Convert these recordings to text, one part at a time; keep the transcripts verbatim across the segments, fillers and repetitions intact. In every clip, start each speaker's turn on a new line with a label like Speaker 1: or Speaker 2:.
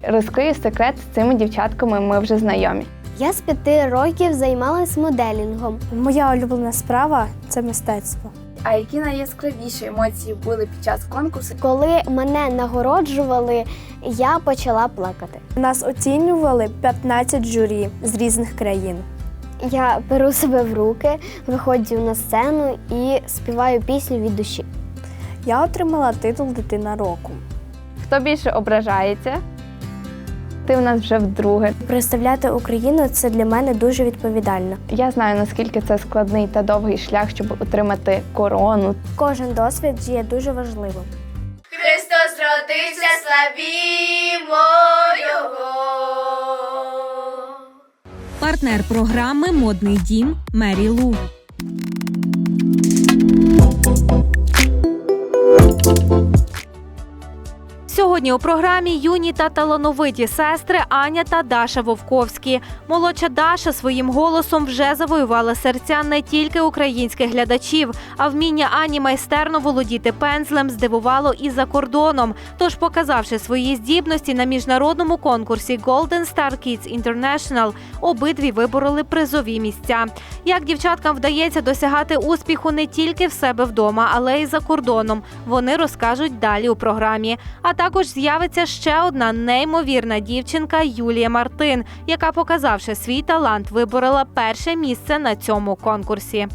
Speaker 1: розкрию секрет, з цими дівчатками ми вже знайомі.
Speaker 2: Я з п'яти років займалась моделінгом.
Speaker 3: Моя улюблена справа – це мистецтво.
Speaker 1: А які найяскравіші емоції були під час конкурсу?
Speaker 2: Коли мене нагороджували, я почала плакати.
Speaker 3: Нас оцінювали п'ятнадцять журі з різних країн.
Speaker 2: Я беру себе в руки, виходжу на сцену і співаю пісню від душі.
Speaker 3: Я отримала титул «Дитина року».
Speaker 1: Хто більше ображається? Ти в нас вже вдруге.
Speaker 3: Представляти Україну – це для мене дуже відповідально.
Speaker 1: Я знаю, наскільки це складний та довгий шлях, щоб отримати корону.
Speaker 3: Кожен досвід є дуже важливим.
Speaker 4: Христос родився, славімо Його!
Speaker 5: Партнер програми «Модний дім» Мері Лу. Сьогодні у програмі юні та талановиті сестри Аня та Даша Вовковські. Молодша Даша своїм голосом вже завоювала серця не тільки українських глядачів, а вміння Ані майстерно володіти пензлем здивувало і за кордоном. Тож, показавши свої здібності на міжнародному конкурсі Golden Star Kids International, обидві вибороли призові місця. Як дівчаткам вдається досягати успіху не тільки в себе вдома, але й за кордоном, вони розкажуть далі у програмі. А також з'явиться ще одна неймовірна дівчинка Юлія Мартин, яка, показавши свій талант, виборола перше місце на цьому конкурсі.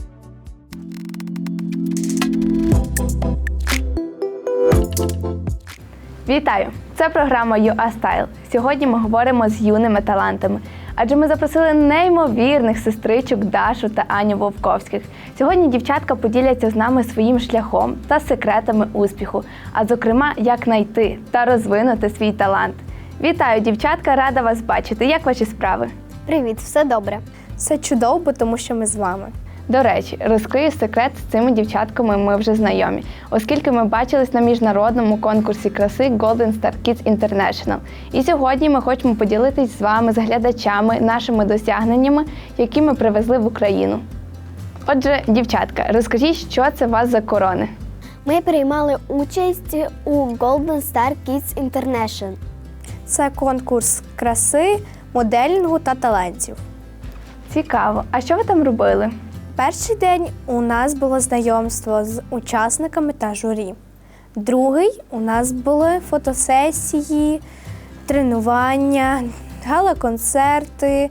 Speaker 1: Вітаю! Це програма «ю а Style». Сьогодні ми говоримо з юними талантами. Адже ми запросили неймовірних сестричок Дашу та Аню Вовковських. Сьогодні дівчатка поділяться з нами своїм шляхом та секретами успіху, а зокрема, як знайти та розвинути свій талант. Вітаю, дівчатка, рада вас бачити. Як ваші справи?
Speaker 2: Привіт, все добре.
Speaker 3: Все чудово, тому що ми з вами.
Speaker 1: До речі, розкрию секрет, з цими дівчатками ми вже знайомі, оскільки ми бачились на міжнародному конкурсі краси Golden Star Kids International. І сьогодні ми хочемо поділитись з вами, з глядачами, нашими досягненнями, які ми привезли в Україну. Отже, дівчатка, розкажіть, що це у вас за корони?
Speaker 2: Ми приймали участь у Golden Star Kids International.
Speaker 3: Це конкурс краси, моделінгу та талантів.
Speaker 1: Цікаво. А що ви там робили?
Speaker 3: Перший день у нас було знайомство з учасниками та журі. Другий у нас були фотосесії, тренування, гала-концерти.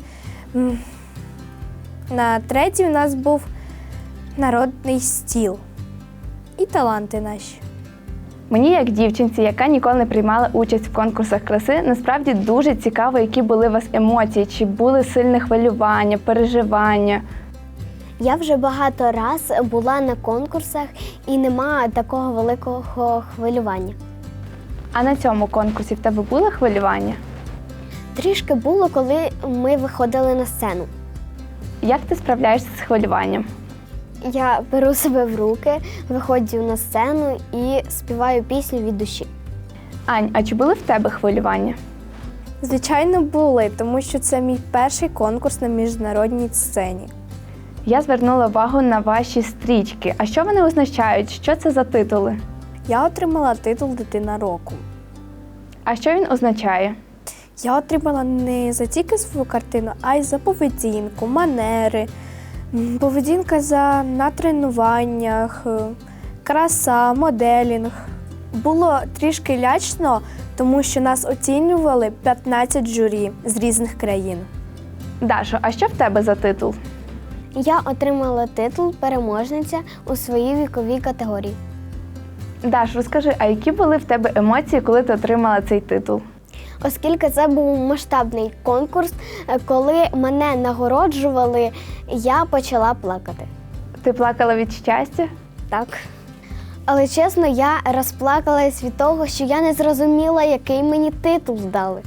Speaker 3: На третій у нас був народний стіл і таланти наші.
Speaker 1: Мені, як дівчинці, яка ніколи не приймала участь в конкурсах краси, насправді дуже цікаво, які були у вас емоції, чи були сильне хвилювання, переживання.
Speaker 2: Я вже багато раз була на конкурсах і нема такого великого хвилювання.
Speaker 1: А на цьому конкурсі в тебе було хвилювання?
Speaker 2: Трішки було, коли ми виходили на сцену.
Speaker 1: Як ти справляєшся з хвилюванням?
Speaker 2: Я беру себе в руки, виходжу на сцену і співаю пісню від душі.
Speaker 1: Ань, а чи були в тебе хвилювання?
Speaker 3: Звичайно, були, тому що це мій перший конкурс на міжнародній сцені.
Speaker 1: Я звернула увагу на ваші стрічки. А що вони означають? Що це за титули?
Speaker 3: Я отримала титул «Дитина року».
Speaker 1: А що він означає?
Speaker 3: Я отримала не за тільки свою картину, а й за поведінку, манери, м, поведінка за на тренуваннях, е, краса, моделінг. Було трішки лячно, тому що нас оцінювали п'ятнадцять журі з різних країн.
Speaker 1: Дашо, а що в тебе за титул?
Speaker 2: Я отримала титул переможниця у своїй віковій категорії.
Speaker 1: Даш, розкажи, а які були в тебе емоції, коли ти отримала цей титул?
Speaker 2: Оскільки це був масштабний конкурс, коли мене нагороджували, я почала плакати.
Speaker 1: Ти плакала від щастя?
Speaker 2: Так. Але чесно, я розплакалась від того, що я не зрозуміла, який мені титул дали.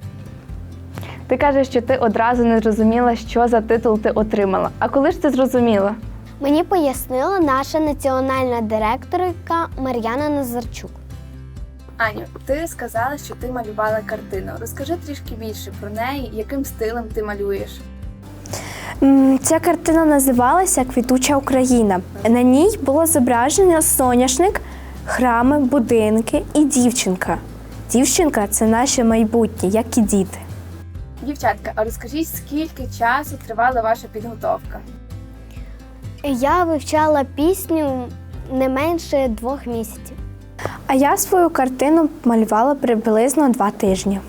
Speaker 1: Ти кажеш, що ти одразу не зрозуміла, що за титул ти отримала. А коли ж ти зрозуміла?
Speaker 2: Мені пояснила наша національна директорка Мар'яна Назарчук.
Speaker 6: Аню, ти сказала, що ти малювала картину. Розкажи трішки більше про неї, яким стилем ти малюєш.
Speaker 3: М, Ця картина називалася «Квітуча Україна». На ній було зображено соняшник, храми, будинки і дівчинка. Дівчинка – це наше майбутнє, як і діти.
Speaker 6: Дівчатка, а розкажіть, скільки часу тривала ваша підготовка?
Speaker 2: Я вивчала пісню не менше двох місяців.
Speaker 3: А я свою картину малювала приблизно два тижні.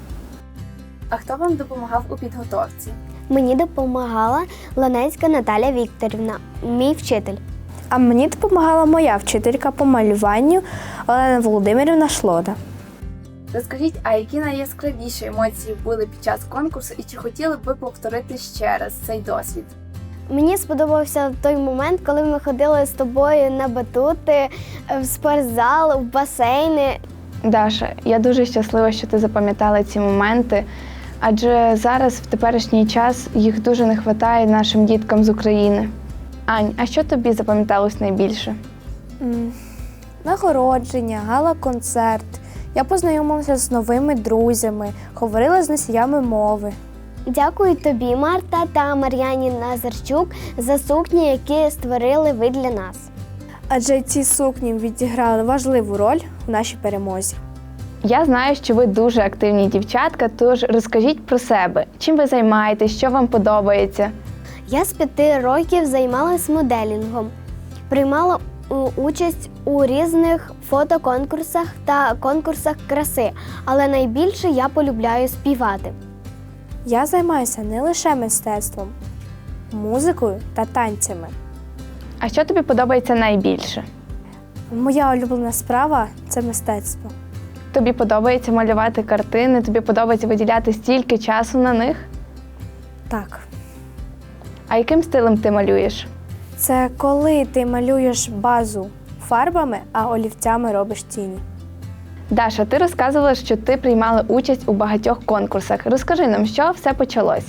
Speaker 6: А хто вам допомагав у підготовці?
Speaker 2: Мені допомагала Ланецька Наталя Вікторівна, мій вчитель.
Speaker 3: А мені допомагала моя вчителька по малюванню Олена Володимирівна Шлода.
Speaker 6: Розкажіть, а які найяскравіші емоції були під час конкурсу і чи хотіли б ви повторити ще раз цей досвід?
Speaker 2: Мені сподобався той момент, коли ми ходили з тобою на батути, в спортзал, в басейни.
Speaker 1: Даша, я дуже щаслива, що ти запам'ятала ці моменти, адже зараз, в теперішній час, їх дуже не вистачає нашим діткам з України. Ань, а що тобі запам'яталось найбільше?
Speaker 3: М, Нагородження, гала-концерт. Я познайомилася з новими друзями, говорила з носіями мови.
Speaker 2: Дякую тобі, Марта та Мар'яні Назарчук, за сукні, які створили ви для нас.
Speaker 3: Адже ці сукні відіграли важливу роль у нашій перемозі.
Speaker 1: Я знаю, що ви дуже активні дівчатка, тож розкажіть про себе. Чим ви займаєтесь, що вам подобається?
Speaker 2: Я з п'яти років займалась моделінгом, приймала у- участь у різних фотоконкурсах та конкурсах краси, але найбільше я полюбляю співати.
Speaker 3: Я займаюся не лише мистецтвом, музикою та танцями.
Speaker 1: А що тобі подобається найбільше?
Speaker 3: Моя улюблена справа – це мистецтво.
Speaker 1: Тобі подобається малювати картини, тобі подобається виділяти стільки часу на них?
Speaker 3: Так,
Speaker 1: А яким стилем ти малюєш?
Speaker 3: це коли ти малюєш базу фарбами, а олівцями робиш тіні.
Speaker 1: Daша, ти розказувала, що ти приймала участь у багатьох конкурсах. Розкажи нам, що все почалось?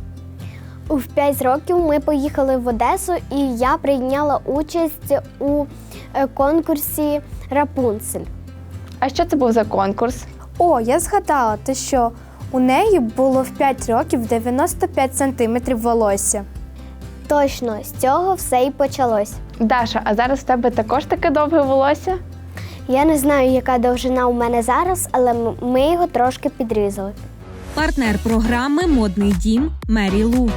Speaker 2: У п'ять років ми поїхали в Одесу, і я прийняла участь у е, конкурсі «Рапунцель».
Speaker 1: А що це був за конкурс?
Speaker 3: О, я згадала те, що у неї було в п'ять років дев'яносто п'ять сантиметрів волосся.
Speaker 2: Точно, з цього все і почалось.
Speaker 1: Даша, а зараз в тебе також таке довге волосся?
Speaker 2: Я не знаю, яка довжина у мене зараз, але м- ми його трошки підрізали.
Speaker 5: Партнер програми «Модний дім» Мері Лу.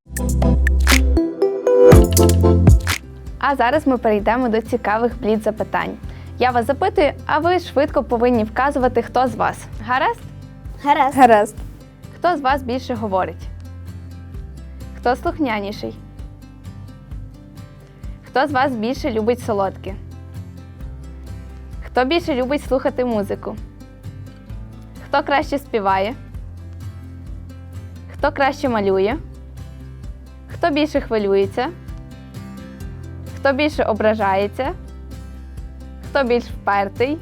Speaker 1: А зараз ми перейдемо до цікавих бліц-запитань. Я вас запитую, а ви швидко повинні вказувати, хто з вас. Гаразд?
Speaker 2: Гаразд.
Speaker 3: Гаразд.
Speaker 1: Хто з вас більше говорить? Хто слухняніший? Хто з вас більше любить солодке? Хто більше любить слухати музику? Хто краще співає? Хто краще малює? Хто більше хвилюється? Хто більше ображається? Хто більш впертий?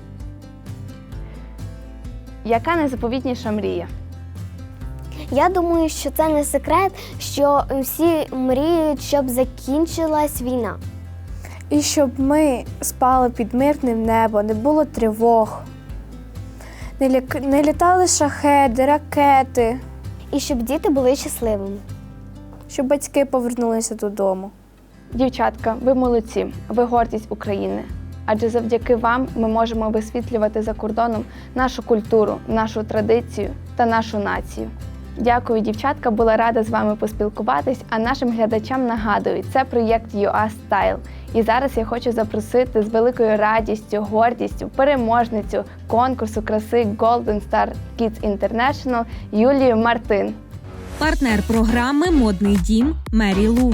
Speaker 1: Яка найзаповітніша мрія?
Speaker 2: Я думаю, що це не секрет, що всі мріють, щоб закінчилась війна.
Speaker 3: І щоб ми спали під мирним небом, не було тривог, не, лі... не літали шахеди, ракети,
Speaker 2: І щоб діти були щасливими.
Speaker 3: щоб батьки повернулися додому.
Speaker 1: Дівчатка, ви молодці, ви гордість України. Адже завдяки вам ми можемо висвітлювати за кордоном нашу культуру, нашу традицію та нашу націю. Дякую, дівчатка, була рада з вами поспілкуватись, а нашим глядачам нагадую, це проєкт ю а Style. І зараз я хочу запросити з великою радістю, гордістю переможницю конкурсу краси Golden Star Kids International Юлію Мартин.
Speaker 5: Партнер програми «Модний дім» Мері Лу.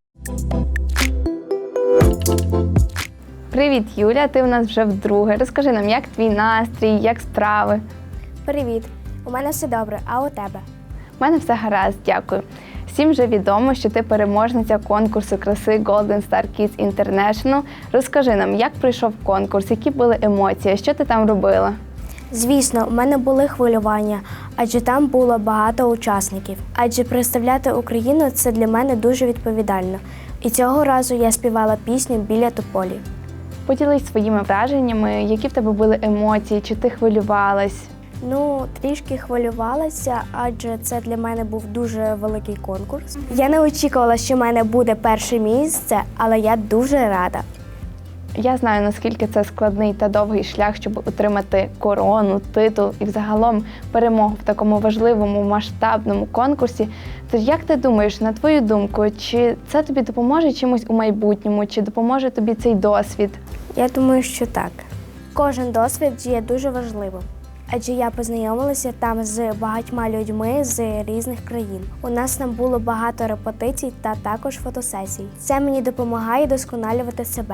Speaker 1: Привіт, Юля, ти в нас вже вдруге. Розкажи нам, як твій настрій, як справи?
Speaker 3: Привіт! У мене все добре, а у тебе?
Speaker 1: У мене все гаразд, дякую. Всім вже відомо, що ти переможниця конкурсу краси Golden Star Kids International. Розкажи нам, як пройшов конкурс, які були емоції, що ти там робила?
Speaker 3: Звісно, у мене були хвилювання, адже там було багато учасників. Адже представляти Україну – це для мене дуже відповідально. І цього разу я співала пісню «Біля тополі».
Speaker 1: Поділись своїми враженнями, які в тебе були емоції, чи ти хвилювалась?
Speaker 3: Ну, трішки хвилювалася, адже це для мене був дуже великий конкурс. Я не очікувала, що в мене буде перше місце, але я дуже рада.
Speaker 1: Я знаю, наскільки це складний та довгий шлях, щоб отримати корону, титул і взагалом перемогу в такому важливому масштабному конкурсі. Тож як ти думаєш, на твою думку, чи це тобі допоможе чимось у майбутньому, чи допоможе тобі цей досвід?
Speaker 3: Я думаю, що так. Кожен досвід є дуже важливим, адже я познайомилася там з багатьма людьми з різних країн. У нас там було багато репетицій та також фотосесій. Це мені допомагає досконалювати себе.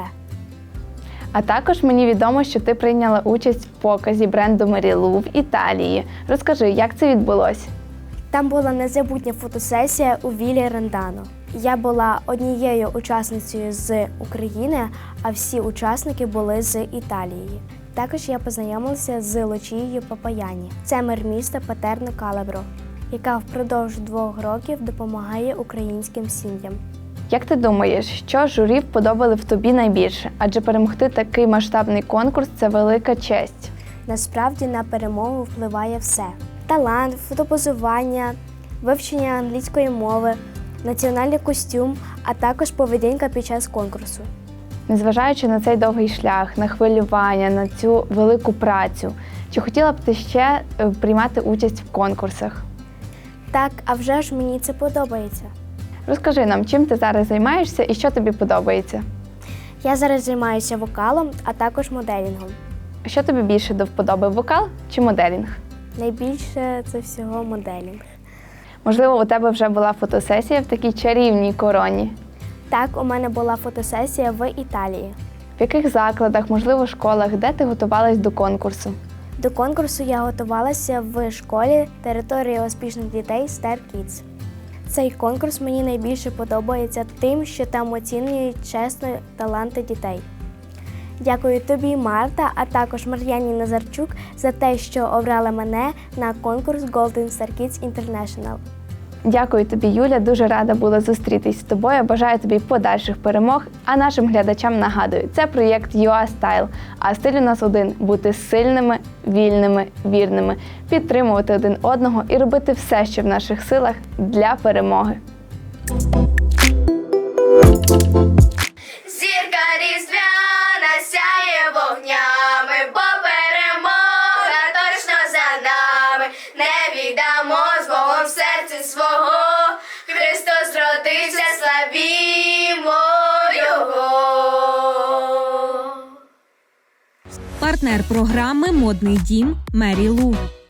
Speaker 1: А також мені відомо, що ти прийняла участь в показі бренду Марілу в Італії. Розкажи, як це відбулося?
Speaker 3: Там була незабутня фотосесія у Віллі Рендано. Я була однією учасницею з України, а всі учасники були з Італії. Також я познайомилася з Лучією Папаяні. Це мер міста Патерно Калабро, яка впродовж двох років допомагає українським сім'ям.
Speaker 1: Як ти думаєш, що журі вподобали в тобі найбільше? Адже перемогти такий масштабний конкурс – це велика честь.
Speaker 3: Насправді на перемогу впливає все. Талант, фотопозування, вивчення англійської мови, національний костюм, а також поведінка під час конкурсу.
Speaker 1: Незважаючи на цей довгий шлях, на хвилювання, на цю велику працю, чи хотіла б ти ще е, приймати участь в конкурсах?
Speaker 3: Так, а вже ж мені це подобається.
Speaker 1: Розкажи нам, чим ти зараз займаєшся і що тобі подобається?
Speaker 3: Я зараз займаюся вокалом, а також моделінгом.
Speaker 1: Що тобі більше до вподоби, вокал чи моделінг?
Speaker 3: Найбільше це всього моделінг.
Speaker 1: Можливо, у тебе вже була фотосесія в такій чарівній короні?
Speaker 3: Так, у мене була фотосесія в Італії.
Speaker 1: В яких закладах, можливо, школах, де ти готувалась до конкурсу?
Speaker 3: До конкурсу я готувалася в школі «Територія успішних дітей Star Kids». Цей конкурс мені найбільше подобається тим, що там оцінюють чесно таланти дітей. Дякую тобі, Марта, а також Мар'яні Назарчук за те, що обрала мене на конкурс Golden Star Kids International.
Speaker 1: Дякую тобі, Юля, дуже рада була зустрітись з тобою. Бажаю тобі подальших перемог, а нашим глядачам нагадую, це проєкт ю а Style, а стиль у нас один – бути сильними, вільними, вірними, підтримувати один одного і робити все, що в наших силах для перемоги.
Speaker 4: Зірка різдвяна сяє вогнями, бо перемога точно за нами. Не віддамо з Богом в серці свого, Христос родився, славімо Його.
Speaker 5: Партнер програми «Модний дім» Марілу.